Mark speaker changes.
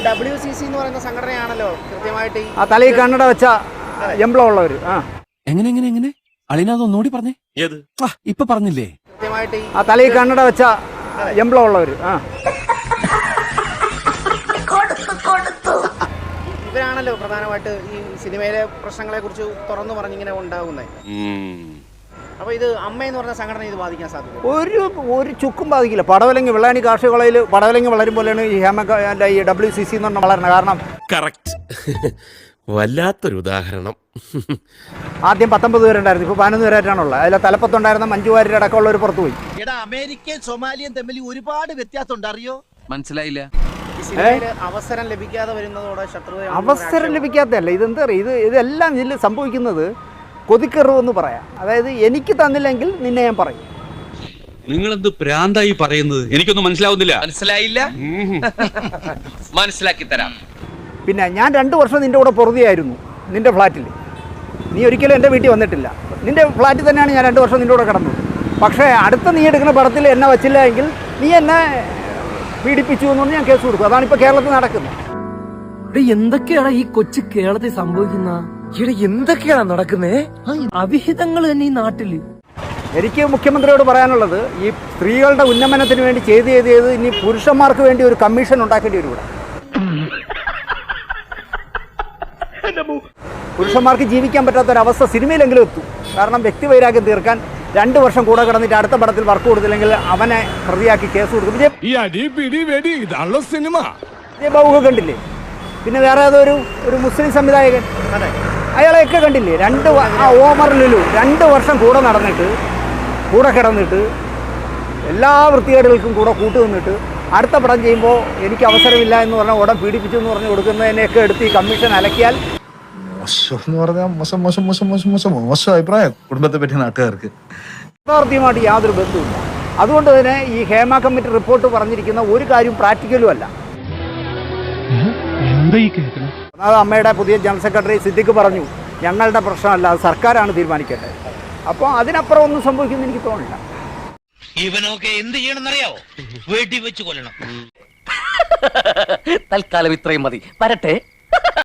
Speaker 1: WCC എന്ന് പറയുന്ന സംഘടനയാണല്ലോ കൃത്യമായിട്ട്
Speaker 2: ആ തലയിൽ കണ്ണട വെച്ച എംബ്ലം ഉള്ളവർ.
Speaker 3: എങ്ങനെ എങ്ങനെ എങ്ങനെ അളിനതൊന്നുകൂടി പറഞ്ഞേ. ഏത് ഇപ്പൊ പറഞ്ഞില്ലേ?
Speaker 1: കൃത്യമായിട്ട്
Speaker 2: ആ തലയിൽ കണ്ണട വെച്ച എംബ്ലം ഉള്ളവർ.
Speaker 1: ഇവരാണല്ലോ പ്രധാനമായിട്ട് ഈ സിനിമയിലെ പ്രശ്നങ്ങളെ കുറിച്ച് തുറന്നു പറഞ്ഞിങ്ങനെ ഉണ്ടാകുന്നത്. അപ്പൊ ഇത് അമ്മയെന്ന് പറഞ്ഞ സംഘടന ഇത് ബാധിക്കാൻ സാധിക്കും?
Speaker 2: ഒരു ചുക്കും ബാധിക്കില്ല. പടവലങ്ങി വെള്ളാണി കാർഷിക കോളേജിൽ പടവലങ്ങി വളരും പോലെയാണ് ഈ ഈ WCC എന്ന് പറഞ്ഞ വളരണം. കാരണം
Speaker 4: കറക്റ്റ്. വല്ലാത്തൊരു ഉദാഹരണം.
Speaker 2: ആദ്യം 19 പേരുണ്ടായിരുന്നു, ഇപ്പൊ 11 പേരായിട്ടാണുള്ളത്. അതിലെ തലപ്പത്തുണ്ടായിരുന്ന മഞ്ജു വാര്യർ അടക്കമുള്ളവർ പുറത്തു പോയി.
Speaker 5: അമേരിക്കയും സൊമാലിയും തമ്മിൽ ഒരുപാട് വ്യത്യാസം ഉണ്ട്, അറിയോ?
Speaker 3: മനസ്സിലായില്ല.
Speaker 1: അവസരം ലഭിക്കാതെ വരുന്നതോടെ ശത്രുത.
Speaker 2: അവസരം ലഭിക്കാത്തല്ല, ഇതെന്താ പറയുക, ഇതെല്ലാം ഇതിൽ സംഭവിക്കുന്നത് കൊതിക്കെറിവ് എന്ന് പറയാം. അതായത് എനിക്ക് തന്നില്ലെങ്കിൽ നിന്നെ ഞാൻ പറയും.
Speaker 6: നിങ്ങളെന്ത് പ്രാന്തായി പറയുന്നത്? എനിക്കൊന്നും മനസ്സിലാവുന്നില്ല.
Speaker 3: മനസ്സിലായില്ല? മനസ്സിലാക്കി തരാം.
Speaker 2: പിന്നെ ഞാൻ 2 വർഷം നിൻ്റെ കൂടെ പൊറുതിയായിരുന്നു നിൻ്റെ ഫ്ലാറ്റിൽ. നീ ഒരിക്കലും എൻ്റെ വീട്ടിൽ വന്നിട്ടില്ല. നിൻ്റെ ഫ്ലാറ്റിൽ തന്നെയാണ് ഞാൻ 2 വർഷം നിൻ്റെ കൂടെ കിടന്നത്. പക്ഷേ അടുത്ത നീ എടുക്കുന്ന പടത്തിൽ എന്നെ വച്ചില്ല എങ്കിൽ നീ എന്നെ പീഡിപ്പിച്ചു എന്ന് പറഞ്ഞ് ഞാൻ കേസ് കൊടുക്കും. അതാണിപ്പോൾ കേരളത്തിൽ നടക്കുന്നത്.
Speaker 7: എന്തൊക്കെയാണ് ഈ കൊച്ചു കേരളത്തിൽ സംഭവിക്കുന്ന? ഇവിടെ എന്തൊക്കെയാണ് നടക്കുന്നേ? അവിഹിതങ്ങൾ തന്നെ ഈ നാട്ടില്.
Speaker 2: എനിക്ക് മുഖ്യമന്ത്രിയോട് പറയാനുള്ളത്, ഈ സ്ത്രീകളുടെ ഉന്നമനത്തിന് വേണ്ടി ചെയ്ത് ഇനി പുരുഷന്മാർക്ക് വേണ്ടി ഒരു കമ്മീഷൻ ഉണ്ടാക്കേണ്ടി വരും. ഇവിടെ പുരുഷന്മാർക്ക് ജീവിക്കാൻ പറ്റാത്തൊരവസ്ഥ സിനിമയിലെങ്കിലും എത്തും. കാരണം വ്യക്തിവൈരാഗ്യം തീർക്കാൻ 2 വർഷം കൂടെ കിടന്നിട്ട് അടുത്ത പടത്തിൽ വർക്ക് കൊടുത്തില്ലെങ്കിൽ അവനെ പ്രതിയാക്കി കേസ് കൊടുക്കും. വിജയബാബു കണ്ടില്ലേ? പിന്നെ വേറെ ഒരു മുസ്ലിം സംവിധായകൻ, അയാളെയൊക്കെ കണ്ടില്ലേ? ഓമർ ലുലു 2 വർഷം കൂടെ കിടന്നിട്ട് എല്ലാ വൃത്തികേടുകൾക്കും കൂടെ കൂട്ടുനിന്നിട്ട് അടുത്ത പടം ചെയ്യുമ്പോൾ എനിക്ക് അവസരമില്ല എന്ന് പറഞ്ഞാൽ ഉടൻ പീഡിപ്പിച്ചു എന്ന് പറഞ്ഞ് കൊടുക്കുന്നതിനെയൊക്കെ എടുത്ത് ഈ കമ്മീഷൻ അലക്കിയാൽ
Speaker 8: മോശം അഭിപ്രായം കുടുംബത്തെ പറ്റി നാട്ടുകാർക്ക്
Speaker 2: യാഥാർത്ഥ്യമായിട്ട് യാതൊരു ബന്ധവുമില്ല. അതുകൊണ്ട് തന്നെ ഈ ഹേമ കമ്മിറ്റി റിപ്പോർട്ട് പറഞ്ഞിരിക്കുന്ന ഒരു കാര്യം പ്രാക്ടിക്കലും അല്ല. അത് അമ്മയുടെ പുതിയ ജനറൽ സെക്രട്ടറി സിദ്ദിഖ് പറഞ്ഞു, ഞങ്ങളുടെ പ്രശ്നമല്ല, അത് സർക്കാരാണ് തീരുമാനിക്കേണ്ടത്. അപ്പോൾ അതിനപ്പുറം ഒന്നും സംഭവിക്കുമെന്ന് എനിക്ക് തോന്നില്ല.
Speaker 5: ഇവനൊക്കെ എന്ത് ചെയ്യണമെന്നറിയാവോ? വീട്ടിൽ വെച്ച് കൊല്ലണം.
Speaker 7: തൽക്കാലം ഇത്രയും മതി. വരട്ടെ.